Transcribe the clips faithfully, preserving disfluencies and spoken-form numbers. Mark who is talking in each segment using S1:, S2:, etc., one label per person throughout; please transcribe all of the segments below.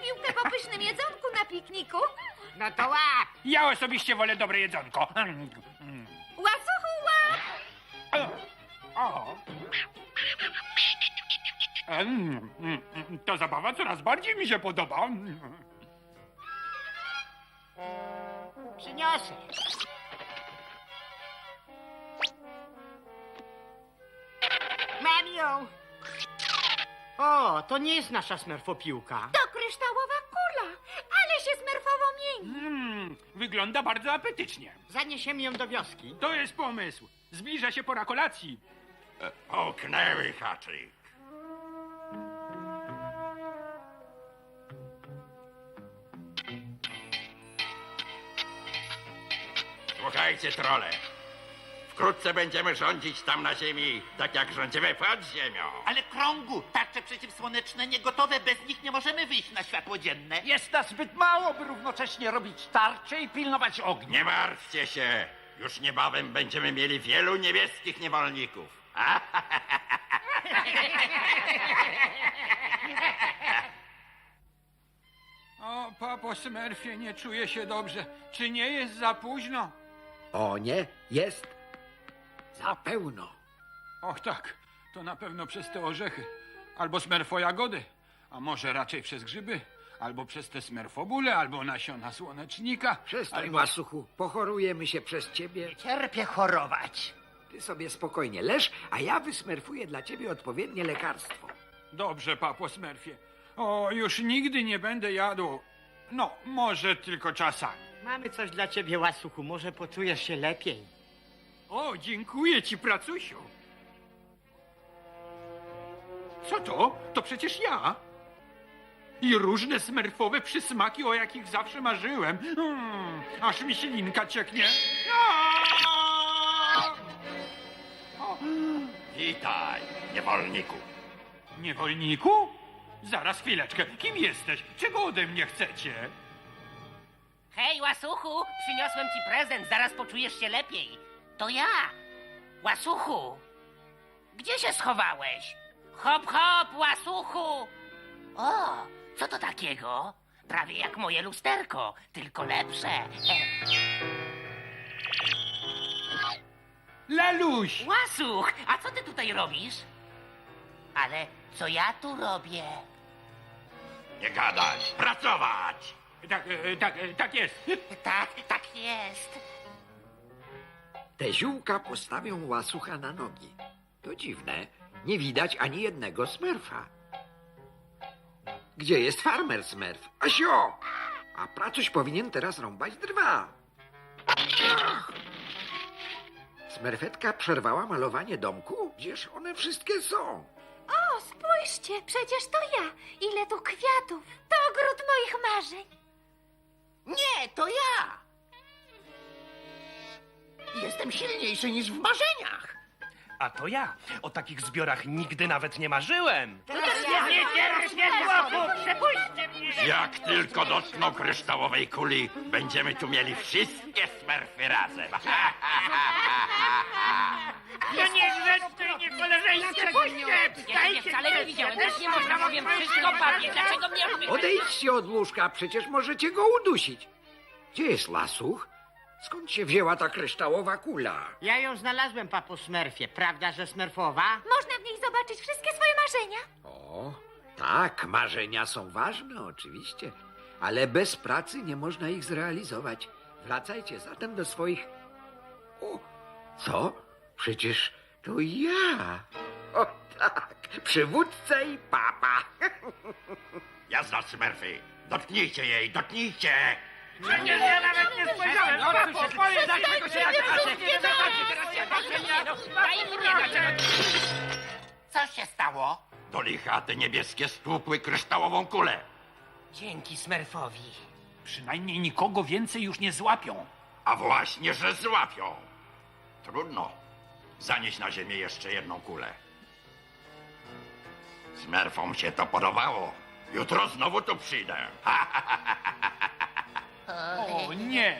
S1: piłkę po pysznym jedzonku na pikniku.
S2: No to łap!
S3: Ja osobiście wolę dobre jedzonko. Mm, mm.
S1: Łasuchu, łap!
S3: O, o. Mm, mm, mm, Ta zabawa coraz bardziej mi się podoba. Mm.
S2: Przyniosę. Mam ją! O, to nie jest nasza smerfopiłka.
S1: To kryształowa kula, ale się smerfowo mieni.
S3: Mm, Wygląda bardzo apetycznie.
S2: Zaniesiemy ją do wioski.
S3: To jest pomysł. Zbliża się pora kolacji.
S4: Połknęły haczyk. Słuchajcie, trole. Wkrótce będziemy rządzić tam na ziemi, tak jak rządzimy pod ziemią.
S5: Ale krągu, tarcze przeciwsłoneczne niegotowe, bez nich nie możemy wyjść na światło dzienne.
S6: Jest nas zbyt mało, by równocześnie robić tarcze i pilnować ognia.
S4: Nie martwcie się. Już niebawem będziemy mieli wielu niebieskich niewolników.
S3: O, papo Smurfie, nie czuję się dobrze. Czy nie jest za późno?
S7: O nie, jest za pełno.
S3: Och tak, to na pewno przez te orzechy. Albo smerfojagody, a może raczej przez grzyby. Albo przez te smerfobule, albo nasiona słonecznika.
S7: Przestań,
S3: albo...
S7: łasuchu, pochorujemy się przez ciebie.
S2: Cierpię chorować.
S7: Ty sobie spokojnie leż, a ja wysmerfuję dla ciebie odpowiednie lekarstwo.
S3: Dobrze, papo Smurfie. O, już nigdy nie będę jadł. No, może tylko czasami.
S2: Mamy coś dla ciebie, łasuchu. Może poczujesz się lepiej.
S3: O, dziękuję ci, pracusiu. Co to? To przecież ja. I różne smerfowe przysmaki, o jakich zawsze marzyłem. Mm, aż mi ślinka cieknie. Aaaa! O,
S4: Witaj, niewolniku.
S3: niewolniku? Zaraz, chwileczkę. Kim jesteś? Czego ode mnie chcecie?
S8: Hej, łasuchu, przyniosłem ci prezent, zaraz poczujesz się lepiej. To ja, łasuchu. Gdzie się schowałeś? Hop, hop, łasuchu. O, co to takiego? Prawie jak moje lusterko, tylko lepsze. E,
S3: Laluś!
S8: łasuch, a co ty tutaj robisz? Ale co ja tu robię?
S4: Nie gadać, pracować.
S3: Tak, e, tak, e, tak jest.
S8: Tak, tak jest.
S7: Te ziółka postawią łasucha na nogi. To dziwne, nie widać ani jednego smerfa. Gdzie jest farmer smerf? Asio! A pracuś powinien teraz rąbać drwa. Ach! Smerfetka przerwała malowanie domku? Gdzież one wszystkie są?
S1: O, spójrzcie, przecież to ja. Ile tu kwiatów. To ogród moich marzeń.
S5: Nie, to ja! Jestem silniejszy niż w marzeniach.
S6: A to ja. O takich zbiorach nigdy nawet nie marzyłem.
S2: Nie cierpię chłopu! Przepuśćcie mnie!
S4: Jak tylko dotkną kryształowej kuli, będziemy tu mieli wszystkie smerfy razem.
S2: To niegrzeczne i niekoleżeńskie! Puśćcie!
S8: Ja ciebie wcale nie widziałem, tak nie można, powiem wszystko papie. Dlaczego mnie robisz?
S7: Odejdźcie od łóżka, przecież możecie go udusić. Gdzie jest lasuch? Skąd się wzięła ta kryształowa kula?
S2: Ja ją znalazłem, papo Smurfie. Prawda, że smerfowa?
S1: Można w niej zobaczyć wszystkie swoje marzenia.
S7: O, tak, marzenia są ważne, oczywiście, ale bez pracy nie można ich zrealizować. Wracajcie zatem do swoich... O, co? Przecież to ja. O tak, przywódca i papa.
S4: Jazda, smerfy. Dotknijcie jej, dotknijcie.
S2: Przecież ja nawet nie spojrzałem! Papo, powiedz, dlaczego się tak patrzę!
S8: Daj mi nie, dlaczego...
S5: Co się stało?
S4: Do licha te niebieskie stłupły kryształową kulę.
S8: Dzięki Smurfowi.
S3: Przynajmniej nikogo więcej już nie złapią.
S4: A właśnie, że złapią. Trudno. Zanieść na ziemię jeszcze jedną kulę. Smerfom się to podobało. Jutro znowu tu przyjdę.
S3: O nie!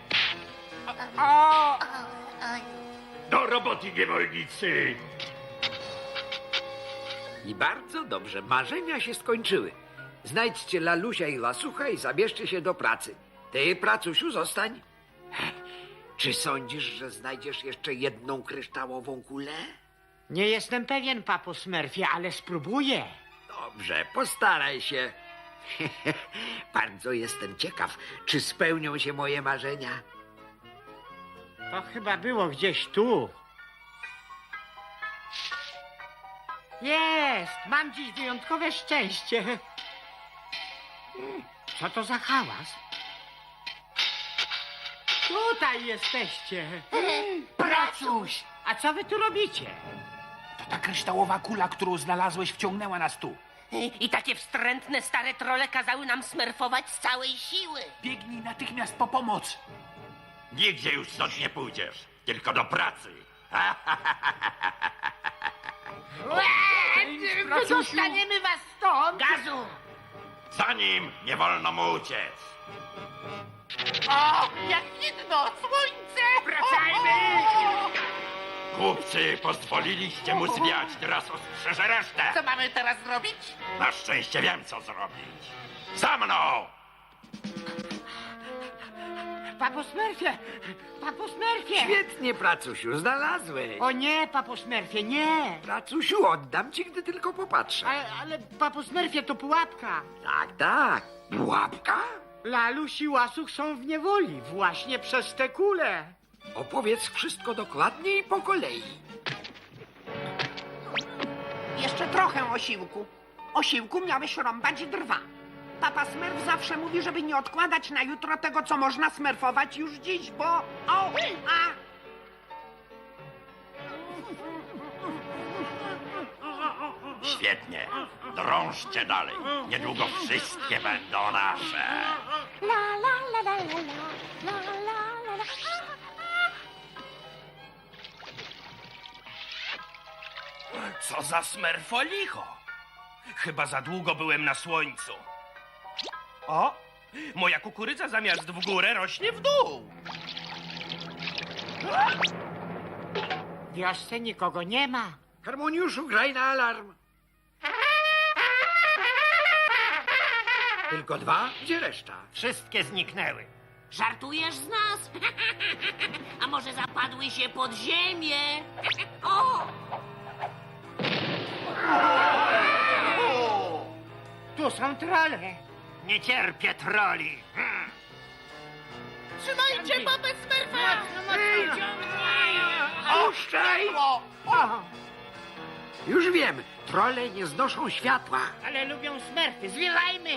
S3: A!
S4: Do roboty, niewolnicy!
S7: I bardzo dobrze, marzenia się skończyły. Znajdźcie Lalusia i Lasucha i zabierzcie się do pracy. Ty, pracusiu, zostań. Czy sądzisz, że znajdziesz jeszcze jedną kryształową kulę?
S2: Nie jestem pewien, papo Smurfie, ale spróbuję.
S7: Dobrze, postaraj się. Bardzo jestem ciekaw, czy spełnią się moje marzenia.
S2: To chyba było gdzieś tu. Jest! Mam dziś wyjątkowe szczęście. Co to za hałas? Tutaj jesteście.
S5: Pracuś!
S2: A co wy tu robicie?
S5: To ta kryształowa kula, którą znalazłeś, wciągnęła nas tu.
S8: I takie wstrętne stare trole kazały nam smerfować z całej siły.
S5: Biegnij natychmiast po pomoc.
S4: Nigdzie już stąd nie pójdziesz, tylko do pracy.
S2: Wydostaniemy was stąd!
S8: Gazu!
S4: Za nim nie wolno mu uciec.
S5: O, jak widno, słońce!
S2: Wracajmy!
S4: Głupcy, pozwoliliście mu zwiać, teraz ostrzeże resztę.
S5: Co mamy teraz zrobić?
S4: Na szczęście wiem, co zrobić. Za mną!
S2: Papo Smurfie! Papo Smurfie!
S7: Świetnie, pracusiu, znalazłeś.
S2: O nie, papo Smurfie, nie!
S7: Pracusiu, oddam ci, gdy tylko popatrzę.
S2: Ale, ale papo Smurfie, to pułapka.
S7: Tak, tak. Pułapka?
S2: Laluś i Łasuch są w niewoli właśnie przez te kule.
S7: Opowiedz wszystko dokładnie i po kolei.
S9: Jeszcze trochę osiłku. Osiłku miałeś rąbać drwa. Papa Smurf zawsze mówi, żeby nie odkładać na jutro tego, co można smerfować już dziś, bo... O! A!
S4: Świetnie. Drążcie dalej. Niedługo wszystkie będą nasze.
S1: La la la la la la la la la la.
S6: Co za smerfolicho! Chyba za długo byłem na słońcu. O! Moja kukurydza zamiast w górę rośnie w dół.
S2: W wiosce nikogo nie ma.
S7: Harmoniuszu, graj na alarm. Tylko dwa? Gdzie reszta?
S2: Wszystkie zniknęły.
S8: Żartujesz z nas? A może zapadły się pod ziemię? O!
S2: Tu są trole. Nie cierpię troli.
S8: Trzymajcie babę Smurfa!
S7: Puszczaj! Już wiem, trole nie znoszą światła.
S2: Ale lubią smerfy. Zwiewajmy.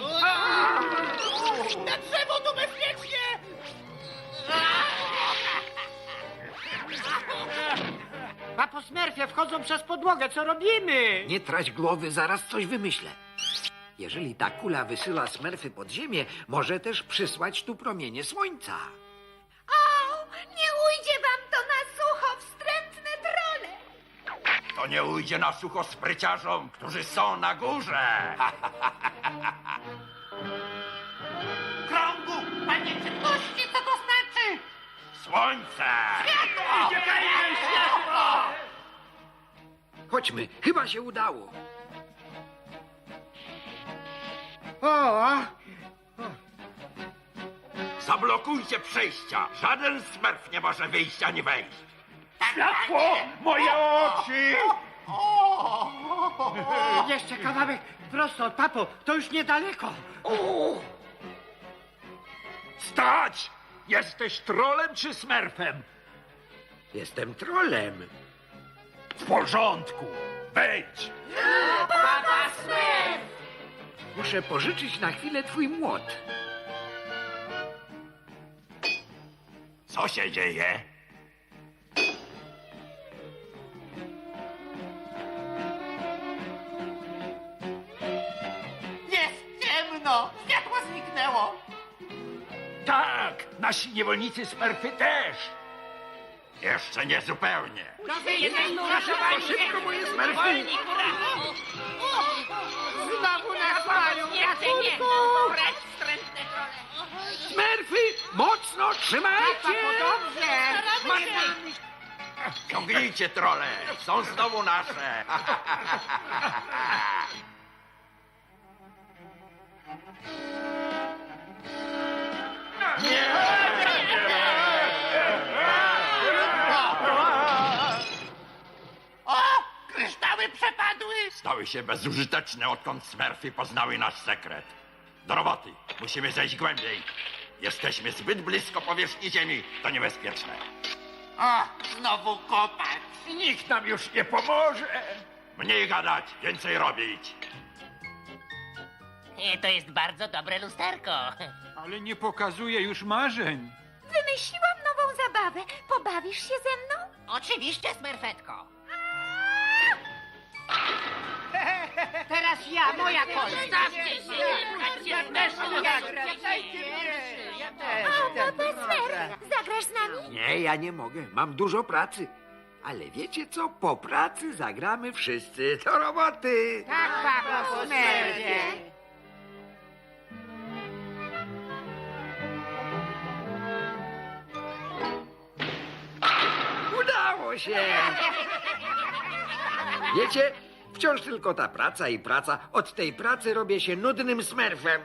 S8: Na drzewo tu bezpiecznie!
S2: Papo Smurfie, wchodzą przez podłogę. Co robimy?
S7: Nie trać głowy, zaraz coś wymyślę. Jeżeli ta kula wysyła smerfy pod ziemię, może też przysłać tu promienie słońca.
S1: O, nie ujdzie wam to na sucho, wstrętne trole.
S4: To nie ujdzie na sucho spryciarzom, którzy są na górze.
S5: Krągu, panie ciemności, co to znaczy?
S4: Słońce!
S5: Uciekajmy, światło!
S7: Chodźmy, chyba się udało.
S2: O,
S4: Zablokujcie przejścia. Żaden smerf nie może wyjść ani wejść.
S5: Światło! Moje oczy!
S2: jeszcze kawałek prosto od papo. To już niedaleko.
S5: Stać! Jesteś trolem czy smerfem?
S7: Jestem trolem.
S5: W porządku. Wejdź!
S8: Papa Smurf!
S7: Muszę pożyczyć na chwilę twój młot.
S4: Co się dzieje?
S5: Jest ciemno! Światło zniknęło! Tak! Nasi niewolnicy smerfy też!
S4: Jeszcze nie zupełnie.
S7: Szybko, moje smerfy!
S2: Znowu nas mają.
S8: Raczej Precz, wstrętne trole!
S7: Smerfy, mocno trzymajcie!
S2: Papo, dobrze.
S4: Ciągnijcie trole. Są znowu nasze.
S5: O, kryształy przepadły.
S4: Stały się bezużyteczne, odkąd Smurfy poznały nasz sekret. Do roboty. Musimy zejść głębiej. Jesteśmy zbyt blisko powierzchni Ziemi. To niebezpieczne.
S5: O, znowu kopać.
S2: Nikt nam już nie pomoże.
S4: Mniej gadać, więcej robić.
S8: E, To jest bardzo dobre lusterko.
S3: Ale nie pokazuje już marzeń.
S1: Wymyśliłam nową zabawę. Pobawisz się ze mną?
S8: Oczywiście, Smerfetko.
S9: Teraz ja, moja kolej.
S8: Stawcie się, pchacie Smerfetko.
S1: O, Papa Smurf, zagrasz z nami?
S7: Nie, ja nie mogę. Mam dużo pracy. Ale wiecie co? Po pracy zagramy wszyscy. Do roboty!
S9: Tak, papo Smurfie.
S7: Udało się! Wiecie, wciąż tylko ta praca i praca. Od tej pracy robię się nudnym smerfem.